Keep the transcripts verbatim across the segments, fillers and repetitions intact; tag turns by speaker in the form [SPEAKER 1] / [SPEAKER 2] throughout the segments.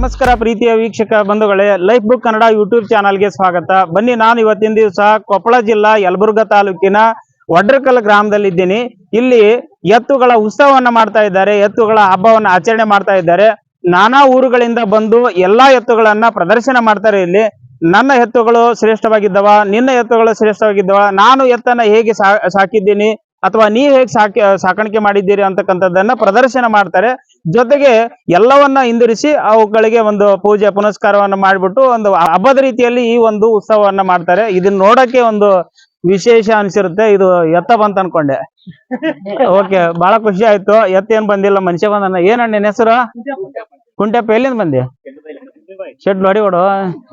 [SPEAKER 1] ನಮಸ್ಕಾರ ಪ್ರೀತಿಯ ವೀಕ್ಷಕ ಬಂಧುಗಳೇ, ಲೈಫ್ ಬುಕ್ ಕನ್ನಡ ಯೂಟ್ಯೂಬ್ ಚಾನಲ್ಗೆ ಸ್ವಾಗತ. ಬನ್ನಿ, ನಾನು ಇವತ್ತಿನ ದಿವಸ ಕೊಪ್ಪಳ ಜಿಲ್ಲಾ ಯಲಬುರ್ಗಾ ತಾಲೂಕಿನ ವಡ್ರಕಲ್ ಗ್ರಾಮದಲ್ಲಿದ್ದೀನಿ. ಇಲ್ಲಿ ಎತ್ತುಗಳ ಉತ್ಸವವನ್ನ ಮಾಡ್ತಾ ಇದ್ದಾರೆ, ಎತ್ತುಗಳ ಹಬ್ಬವನ್ನ ಆಚರಣೆ ಮಾಡ್ತಾ ಇದ್ದಾರೆ. ನಾನಾ ಊರುಗಳಿಂದ ಬಂದು ಎಲ್ಲಾ ಎತ್ತುಗಳನ್ನ ಪ್ರದರ್ಶನ ಮಾಡ್ತಾರೆ. ಇಲ್ಲಿ ನನ್ನ ಎತ್ತುಗಳು ಶ್ರೇಷ್ಠವಾಗಿದ್ದವ, ನಿನ್ನ ಎತ್ತುಗಳು ಶ್ರೇಷ್ಠವಾಗಿದ್ದವ, ನಾನು ಎತ್ತನ್ನ ಹೇಗೆ ಸಾಕಿದ್ದೀನಿ ಅಥವಾ ನೀವು ಹೇಗೆ ಸಾಕಿ ಸಾಕಾಣಿಕೆ ಮಾಡಿದ್ದೀರಿ ಅಂತಕ್ಕಂಥದ್ದನ್ನ ಪ್ರದರ್ಶನ ಮಾಡ್ತಾರೆ. ಜೊತೆಗೆ ಎಲ್ಲವನ್ನ ಹಿಂದಿರಿಸಿ ಅವುಗಳಿಗೆ ಒಂದು ಪೂಜೆ ಪುನಸ್ಕಾರವನ್ನ ಮಾಡಿಬಿಟ್ಟು ಒಂದು ಹಬ್ಬದ ರೀತಿಯಲ್ಲಿ ಈ ಒಂದು ಉತ್ಸವವನ್ನ ಮಾಡ್ತಾರೆ. ಇದನ್ನ ನೋಡಕ್ಕೆ ಒಂದು ವಿಶೇಷ ಅನ್ಸಿರುತ್ತೆ. ಇದು ಎತ್ತ ಬಂತ ಅನ್ಕೊಂಡೆ. ಓಕೆ, ಬಹಳ ಖುಷಿ ಆಯ್ತು. ಎತ್ತ ಏನ್ ಬಂದಿಲ್ಲ, ಮನುಷ್ಯ ಬಂದ. ಏನಣ್ಣ ನಿನ್ನ ಹೆಸರು? ಕುಂಟೆಪ್ಪ. ಎಲ್ಲಿಂದ ಬಂದಿ? ಶೆಡ್ ನೋಡಿ ಹೊಡು.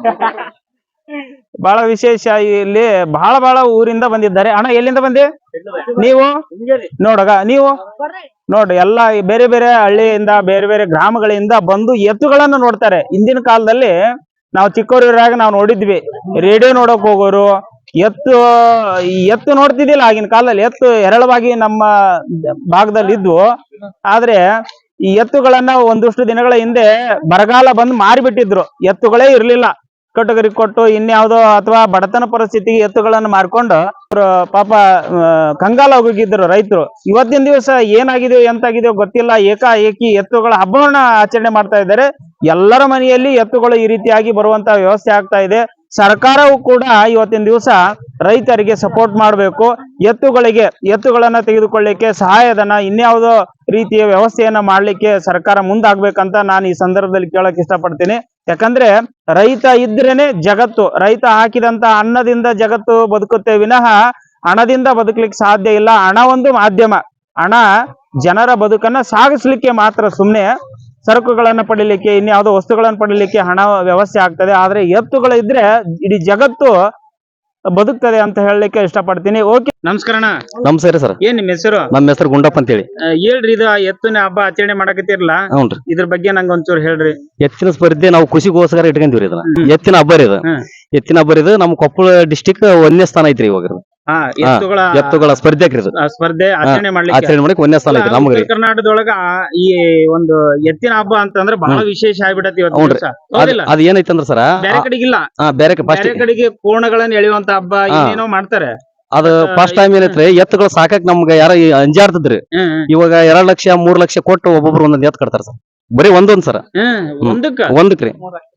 [SPEAKER 1] ಬಹಳ ವಿಶೇಷ. ಇಲ್ಲಿ ಬಹಳ ಬಹಳ ಊರಿಂದ ಬಂದಿದ್ದಾರೆ. ಅಣ್ಣ ಎಲ್ಲಿಂದ ಬಂದಿ ನೀವು? ನೋಡಗ ನೀವು ನೋಡ್ರಿ, ಎಲ್ಲಾ ಬೇರೆ ಬೇರೆ ಹಳ್ಳಿಯಿಂದ ಬೇರೆ ಬೇರೆ ಗ್ರಾಮಗಳಿಂದ ಬಂದು ಎತ್ತುಗಳನ್ನ ನೋಡ್ತಾರೆ. ಹಿಂದಿನ ಕಾಲದಲ್ಲಿ ನಾವು ಚಿಕ್ಕವರಿರಾಗ ನಾವು ನೋಡಿದ್ವಿ, ರೇಡಿಯೋ ನೋಡಕ್ ಹೋಗೋರು, ಎತ್ತು ಎತ್ತು ನೋಡ್ತಿದ್ದಿಲ್ಲ ಆಗಿನ ಕಾಲದಲ್ಲಿ. ಎತ್ತು ಹೇರಳವಾಗಿ ನಮ್ಮ ಭಾಗದಲ್ಲಿ ಇದ್ವು. ಆದ್ರೆ ಈ ಎತ್ತುಗಳನ್ನ ಒಂದಷ್ಟು ದಿನಗಳ ಹಿಂದೆ ಬರಗಾಲ ಬಂದು ಮಾರಿಬಿಟ್ಟಿದ್ರು. ಎತ್ತುಗಳೇ ಇರ್ಲಿಲ್ಲ. ಕಟಗರಿ ಕೊಟ್ಟು ಇನ್ಯಾವುದೋ ಅಥವಾ ಬಡತನ ಪರಿಸ್ಥಿತಿಗೆ ಎತ್ತುಗಳನ್ನು ಮಾರ್ಕೊಂಡು ಪಾಪ ಕಂಗಾಲ ಹೋಗಿದ್ರು ರೈತರು. ಇವತ್ತಿನ ದಿವಸ ಏನಾಗಿದೆಯೋ ಎಂತಾಗಿದೆಯೋ ಗೊತ್ತಿಲ್ಲ, ಏಕಾಏಕಿ ಎತ್ತುಗಳ ಹಬ್ಬವನ್ನ ಆಚರಣೆ ಮಾಡ್ತಾ ಇದ್ದಾರೆ. ಎಲ್ಲರ ಮನೆಯಲ್ಲಿ ಎತ್ತುಗಳು ಈ ರೀತಿಯಾಗಿ ಬರುವಂತ ವ್ಯವಸ್ಥೆ ಆಗ್ತಾ ಇದೆ. ಸರ್ಕಾರವು ಕೂಡ ಇವತ್ತಿನ ದಿವಸ ರೈತರಿಗೆ ಸಪೋರ್ಟ್ ಮಾಡಬೇಕು. ಎತ್ತುಗಳಿಗೆ ಎತ್ತುಗಳನ್ನ ತೆಗೆದುಕೊಳ್ಳಿಕ್ಕೆ ಸಹಾಯಧನ, ಇನ್ಯಾವುದೋ ರೀತಿಯ ವ್ಯವಸ್ಥೆಯನ್ನ ಮಾಡ್ಲಿಕ್ಕೆ ಸರ್ಕಾರ ಮುಂದಾಗ್ಬೇಕಂತ ನಾನು ಈ ಸಂದರ್ಭದಲ್ಲಿ ಕೇಳಕ್ ಇಷ್ಟಪಡ್ತೀನಿ. ಯಾಕಂದ್ರೆ ರೈತ ಇದ್ರೇನೆ ಜಗತ್ತು. ರೈತ ಹಾಕಿದಂತ ಅನ್ನದಿಂದ ಜಗತ್ತು ಬದುಕುತ್ತೆ ವಿನಃ ಹಣದಿಂದ ಬದುಕಲಿಕ್ಕೆ ಸಾಧ್ಯ ಇಲ್ಲ. ಹಣ ಒಂದು ಮಾಧ್ಯಮ. ಹಣ ಜನರ ಬದುಕನ್ನ ಸಾಗಿಸ್ಲಿಕ್ಕೆ ಮಾತ್ರ. ಸುಮ್ನೆ ಸರಕುಗಳನ್ನ ಪಡಿಲಿಕ್ಕೆ, ಇನ್ಯಾವುದೋ ವಸ್ತುಗಳನ್ನ ಪಡಿಲಿಕ್ಕೆ ಹಣ ವ್ಯವಸ್ಥೆ ಆಗ್ತದೆ. ಆದ್ರೆ ಎತ್ತುಗಳು ಇದ್ರೆ ಇಡೀ ಜಗತ್ತು ಬದುಕ್ತದೆ ಅಂತ ಹೇಳಲಿಕ್ಕೆ ಇಷ್ಟಪಡ್ತೀನಿ. ಓಕೆ, ನಮಸ್ಕಾರ.
[SPEAKER 2] ನಮಸ್ಕಾರ ಸರ್.
[SPEAKER 1] ಏನ್ ನಿಮ್ಮ ಹೆಸರು?
[SPEAKER 2] ನಮ್ಮ ಹೆಸರು ಗುಂಡಪ್ಪ ಅಂತ ಹೇಳಿ.
[SPEAKER 1] ಹೇಳ್ರಿ, ಇದು ಎತ್ತಿನ ಹಬ್ಬ ಆಚರಣೆ ಮಾಡಕತ್ತಿರಲ್ಲ, ಇದ್ರ ಬಗ್ಗೆ ನಂಗೆ ಒಂಚೂರು ಹೇಳ್ರಿ.
[SPEAKER 2] ಎತ್ತಿನ ಸ್ಪರ್ಧೆ ನಾವು ಖುಷಿಗೋಸ್ಕರ ಇಟ್ಕೊಂಡಿವ್ರಿ ಇದನ್ನ. ಎತ್ತಿನ ಹಬ್ಬ ರೀ ಇದು. ಎತ್ತಿನ ಹಬ್ಬ ಇದು ನಮ್ಮ ಕೊಪ್ಪಳ ಡಿಸ್ಟಿಕ್ ಒಂದನೇ ಸ್ಥಾನ ಐತ್ರಿ ಇವಾಗ. ಎತ್ತುಗಳ ಎತ್ತುಗಳ ಸ್ಪರ್ಧೆ
[SPEAKER 1] ಸ್ಪರ್ಧೆ ಆಚರಣೆ ಮಾಡ್ಲಿಕ್ಕೆ
[SPEAKER 2] ಆಚರಣೆ ಮಾಡಕ್ಕೆ ಒಂದನೇ ಸ್ಥಾನ ಐತ್ರಿ ನಮ್ಗೆ.
[SPEAKER 1] ಕರ್ನಾಟಕದೊಳಗ ಈ ಒಂದು ಎತ್ತಿನ ಹಬ್ಬ ಅಂತಂದ್ರೆ ಬಹಳ ವಿಶೇಷ ಆಗ್ಬಿಡತಿ.
[SPEAKER 2] ಅದ್ ಏನೈತಂದ್ರ ಸರ್, ಬೇರೆ
[SPEAKER 1] ಕಡೆಗಿಲ್ಲ, ಬೇರೆ ಕಡೆಗೆ ಕೋಣಗಳನ್ನ ಎಳೆಯುವಂತ ಹಬ್ಬ ಏನೇನೋ ಮಾಡ್ತಾರೆ.
[SPEAKER 2] ಅದು ಫಸ್ಟ್ ಟೈಮ್ ಏನೈತ್ರಿ, ಎತ್ತುಗಳು ಸಾಕಕ್ ನಮ್ಗ ಯಾರ ಅಂಜಾಡ್ತದ್ರಿ. ಇವಾಗ ಎರಡ್ ಲಕ್ಷ ಮೂರ್ ಲಕ್ಷ ಕೊಟ್ಟು ಒಬ್ಬೊಬ್ರು ಒಂದೊಂದ್ ಎತ್ ಕಟ್ತಾರ ಸರ್. ಬರೀ ಒಂದೊಂದ್ ಸರ
[SPEAKER 1] ಒಂದಕ್ಕ
[SPEAKER 2] ಒಂದಕ್ರಿ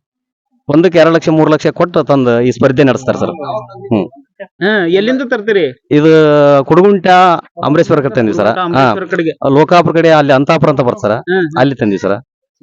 [SPEAKER 2] ಒಂದಕ್ಕೆ ಎರಡ್ ಲಕ್ಷ ಮೂರ್ ಲಕ್ಷ ಕೊಟ್ಟು ತಂದು ಈ ಸ್ಪರ್ಧೆ ನಡೆಸ್ತಾರ ಸರ್. ಹ್ಮ್
[SPEAKER 1] ಎಲ್ಲಿಂದ ತರ್ತೀರಿ?
[SPEAKER 2] ಇದು ಕುಡಗುಂಟ ಅಮರೇಶ್ವರ ತಂದಿವಿ ಸರ. ಲೋಕಾಪುರ ಕಡೆ ಅಲ್ಲಿ ಅಂತಾಪುರ ಅಂತ ಬರ್ತಾರ, ಅಲ್ಲಿ ತಂದಿವಿ ಸರ.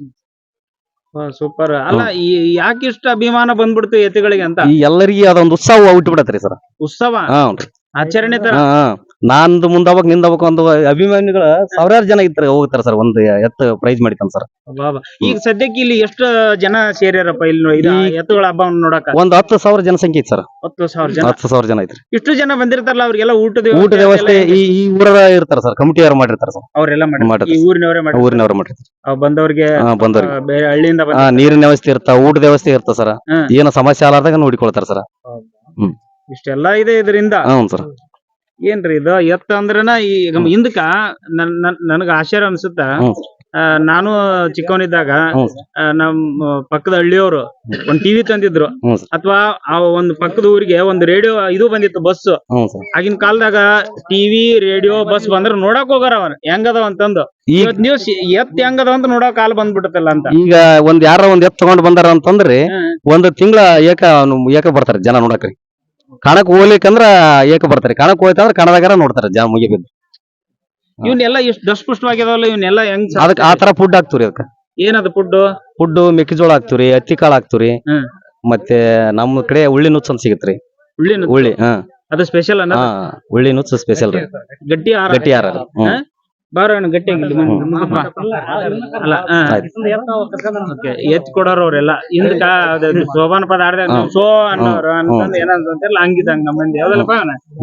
[SPEAKER 1] ಸೂಪರ್. ಅಲ್ಲ, ಯಾಕೆ ಇಷ್ಟ ಅಭಿಮಾನ ಬಂದ್ಬಿಡ್ತು ಎತ್ತುಗಳಿಗೆ ಅಂತ?
[SPEAKER 2] ಈ ಎಲ್ಲರಿಗೆ ಅದೊಂದು ಉತ್ಸವ ಹುಟ್ಟು ಬಿಡತ್ರಿ ಸರ್.
[SPEAKER 1] ಉತ್ಸವ ಆಚರಣೆ ತರ.
[SPEAKER 2] ನಾಂದು ಮುಂದವಾಗ ನಿಂದವಾಗ ಒಂದು ಅಭಿಮಾನಿಗಳ ಸಾವಿರಾರು ಜನ ಇರ್ತಾರೆ, ಹೋಗ್ತಾರ ಸರ್. ಒಂದು ಎತ್ತು ಪ್ರೈಸ್ ಮಾಡಿತಾನ ಸರ್.
[SPEAKER 1] ಈಗ ಸದ್ಯಕ್ಕೆ ಇಲ್ಲಿ ಎಷ್ಟು ಜನ ಸೇರ್ಯಾರಪ್ಪ ಇಲ್ಲಿ ಎತ್ತುಗಳ ಹಬ್ಬವನ್ನು ನೋಡಕ?
[SPEAKER 2] ಒಂದ್ ಹತ್ತು ಸಾವಿರ ಜನಸಂಖ್ಯೆ ಐತಿ ಸರ್.
[SPEAKER 1] ಹತ್ತು ಸಾವಿರ ಜನ
[SPEAKER 2] ಹತ್ತು ಸಾವಿರ ಜನ ಐತ್ರಿ.
[SPEAKER 1] ಇಷ್ಟು ಜನ ಬಂದಿರ್ತಾರಲ್ಲ, ಅವ್ರಿಗೆಲ್ಲ ಊಟದ
[SPEAKER 2] ಊಟದ ವ್ಯವಸ್ಥೆ ಈ ಊರ ಇರ್ತಾರ ಸರ್. ಕಮಿಟಿ ಯಾರು ಮಾಡಿರ್ತಾರ ಸರ್.
[SPEAKER 1] ಅವರೆಲ್ಲ ಮಾಡಿ ಊರಿನವರೇ ಮಾಡಿ
[SPEAKER 2] ಊರಿನವರೇ ಮಾಡಿರ್ತಾರೆ.
[SPEAKER 1] ಬಂದವ್ರಿಗೆ
[SPEAKER 2] ಬಂದವ್ರಿಗೆ
[SPEAKER 1] ಬೇರೆ ಹಳ್ಳಿಯಿಂದ
[SPEAKER 2] ನೀರಿನ ವ್ಯವಸ್ಥೆ ಇರ್ತಾ, ಊಟದ ವ್ಯವಸ್ಥೆ ಇರ್ತ ಸರ್. ಏನೋ ಸಮಸ್ಯೆ ಆಲಾರ್ದಾಗ ನೋಡಿಕೊಳ್ತಾರ ಸರ್.
[SPEAKER 1] ಹ್ಮ್ ಇಷ್ಟೆಲ್ಲ ಇದೆ ಇದರಿಂದ.
[SPEAKER 2] ಹ್ಮ್ ಸರ್.
[SPEAKER 1] ಏನ್ರಿ ಇದು ಎತ್ತ ಅಂದ್ರನ ಈಗ ಹಿಂದಕ ನನಗ ಆಶ್ಚರ್ಯ ಅನ್ಸುತ್ತ. ನಾನು ಚಿಕ್ಕವನಿದ್ದಾಗ ನಮ್ಮ ಪಕ್ಕದ ಹಳ್ಳಿಯವರು ಒಂದ್ ಟಿವಿ ತಂದಿದ್ರು, ಅಥವಾ ಆ ಒಂದ್ ಪಕ್ಕದ ಊರಿಗೆ ಒಂದು ರೇಡಿಯೋ ಇದು ಬಂದಿತ್ತು, ಬಸ್. ಆಗಿನ ಕಾಲದಾಗ ಟಿವಿ ರೇಡಿಯೋ ಬಸ್ ಬಂದ್ರ ನೋಡಕ್ ಹೋಗಾರ ಅವನ್ ಹೆಂಗದವ ಅಂತಂದು. ಇವತ್ ನೀವು ಎತ್ ಹೆಂಗದವ ಅಂತ ನೋಡಕ್ ಕಾಲ್ ಬಂದ್ಬಿಟ್ಟಲ್ಲ ಅಂತ.
[SPEAKER 2] ಈಗ ಒಂದ್ ಯಾರ ಒಂದ್ ಎತ್ ತಗೊಂಡ್ ಬಂದಾರ ಅಂತಂದ್ರಿ ಒಂದ್ ತಿಂಗಳ ಏಕ ಏಕ ಬರ್ತಾರ ಜನ ನೋಡಕ್ರಿ. ಕಣಕ್ ಹೋಗ್ಲಿಕ್ಕಂದ್ರ ಏಕ ಬರ್ತಾರೆ. ಕಣಕ್ ಹೋಯ್ತಂದ್ರ ಕಣದಾಗಾರ ನೋಡ್ತಾರ ಜನ ಮುಗಿಬಿದ್ದು.
[SPEAKER 1] ಇವನ್ನೆಲ್ಲ ಇಷ್ಟು ದಷ್ಟಪುಷ್ಟವಾಗಿದಾವಲ್ಲ, ಇವನ್ನೆಲ್ಲ ಹೆಂಗ್
[SPEAKER 2] ಅದಕ್ಕೆ ಆ ತರ ಫುಡ್ ಹಾಕ್ತಿವ್ರಿ. ಅದಕ್ಕ
[SPEAKER 1] ಏನದ ಫುಡ್?
[SPEAKER 2] ಫುಡ್ ಮೆಕ್ಕೆಜೋಳ ಹಾಕ್ತಿವ್ರಿ, ಹತ್ತಿ ಕಾಳು ಹಾಕ್ತಿವ್ರಿ. ಮತ್ತೆ ನಮ್ಮ ಕಡೆ ಉಳ್ಳಿ ನುಚ್ಚ ಅಂತ ಸಿಗತ್ರಿ. ಉಳ್ಳಿ ಉಳ್ಳಿ ಹಾ
[SPEAKER 1] ಅದು ಸ್ಪೆಷಲ್ ಅನ್ನ.
[SPEAKER 2] ಉಳ್ಳಿ ನುಚ್ಚ ಸ್ಪೆಷಲ್ ರೀ.
[SPEAKER 1] ಗಟ್ಟಿ ಗಟ್ಟಿ ಆರ ಬಾರ ಗಟ್ಟಿ ಎತ್ ಕೊಡೋರ ಅವ್ರೆಲ್ಲ ಹಿಂದಕ ಶೋಭಾನ ಪದ ಆಡ್ದ ಸೋ ಅನ್ನೋರು ಅಂತಂದ್ ಏನಂತಲ್ಲ ಹಂಗಿದಂಗ ನಮ್ಮ ಮಂದಿ ಯಾವ್ದಲ್ಲಪ್ಪ.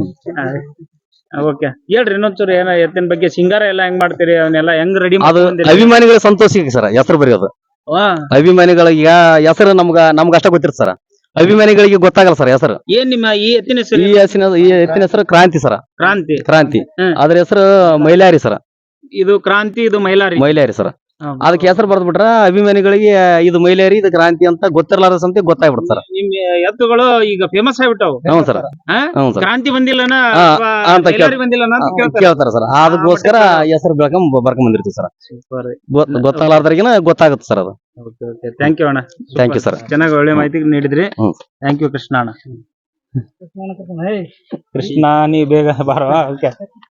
[SPEAKER 1] ಓಕೆ, ಹೇಳ್ರಿ ಇನ್ನೊಂಚೂರು ಏನ ಎತ್ತಿನ ಬಗ್ಗೆ. ಸಿಂಗಾರ ಎಲ್ಲ ಹೆಂಗ್ ಮಾಡ್ತೀರಿ? ಅವನ್ನೆಲ್ಲ ಹೆಂಗ್ ರೆಡಿ?
[SPEAKER 2] ಅದು ಅಭಿಮಾನಿಗಳ ಸಂತೋಷಕ್ಕೆ ಸರ್ ಹೆಸರು ಬರೆಯೋದು. ಅಭಿಮಾನಿಗಳಿಗೆ ಹೆಸರು ನಮ್ಗ ನಮ್ಗ ಅಷ್ಟ ಗೊತ್ತಿರ್ತ ಸರ್. ಅಭಿಮಾನಿಗಳಿಗೆ ಗೊತ್ತಾಗಲ್ಲ ಸರ್ ಹೆಸರು.
[SPEAKER 1] ಏನ್ ನಿಮ್ಮ ಈ ಎತ್ತಿನ ಹೆಸರು?
[SPEAKER 2] ಈ ಹೆಸರು ಈ ಎತ್ತಿನ ಹೆಸರು ಕ್ರಾಂತಿ ಸರ.
[SPEAKER 1] ಕ್ರಾಂತಿ.
[SPEAKER 2] ಕ್ರಾಂತಿ ಅದ್ರ ಹೆಸರು ಮೈಲಾರಿ ಸರ.
[SPEAKER 1] ಇದು ಕ್ರಾಂತಿ, ಇದು ಮೈಲಾರಿ.
[SPEAKER 2] ಮೈಲಾರಿ ಸರ್. ಅದಕ್ಕೆ ಹೆಸರು ಬರ್ದ್ಬಿಟ್ರ ಅಭಿಮಾನಿಗಳಿಗೆ ಇದು ಮೈಲೇರಿ ಇದು ಕ್ರಾಂತಿ ಅಂತ ಗೊತ್ತಿರ್ಲಾರ ಸಂತಿ ಗೊತ್ತಾಗ್ಬಿಡ್ತಾರ.
[SPEAKER 1] ನಿಮ್ ಎತ್ತುಗಳು ಈಗ ಫೇಮಸ್ ಆಗ್ಬಿಟ್ಟವು.
[SPEAKER 2] ಹ್ಞೂ ಸರ್
[SPEAKER 1] ಹಾ?
[SPEAKER 2] ಹ್ಞೂ ಸರ್
[SPEAKER 1] ಕ್ರಾಂತಿ ಬಂದಿಲ್ಲನ
[SPEAKER 2] ಹಾ,
[SPEAKER 1] ಅಥವಾ
[SPEAKER 2] ಅಂತ ಕೇಳ್-
[SPEAKER 1] ಮೈಲಾರಿ ಬಂದಿಲ್ಲನ ಅಂತ ಕೇಳ್ತಾರೆ.
[SPEAKER 2] ಕೇಳ್ತಾರ ಸರ್. ಅದಕ್ಕೋಸ್ಕರ ಹೆಸರು ಬೆಳ್ಕೊಂಡ್ ಬರ್ಕೊಂಡ್ ಬಂದಿರ್ತೀವಿ ಸರ್. ಗೊತ್ತಾಗ್ಲಾರ್ದ್ರಿಗಿನ ಗೊತ್ತಾಗುತ್ತೆ ಸರ್ ಅದು.
[SPEAKER 1] ಥ್ಯಾಂಕ್ ಯು ಅಣ್ಣ.
[SPEAKER 2] Thank you sir.
[SPEAKER 1] ಚೆನ್ನಾಗಿ ಒಳ್ಳೆ ಮಾಹಿತಿ ನೀಡಿದ್ರಿ.
[SPEAKER 2] ಹ್ಮ್.
[SPEAKER 1] ಥ್ಯಾಂಕ್ ಯು ಕೃಷ್ಣ ಅಣ್ಣ. ಕೃಷ್ಣ ನೀ ಬೇಗ ಬಾರವಾ. ಓಕೆ.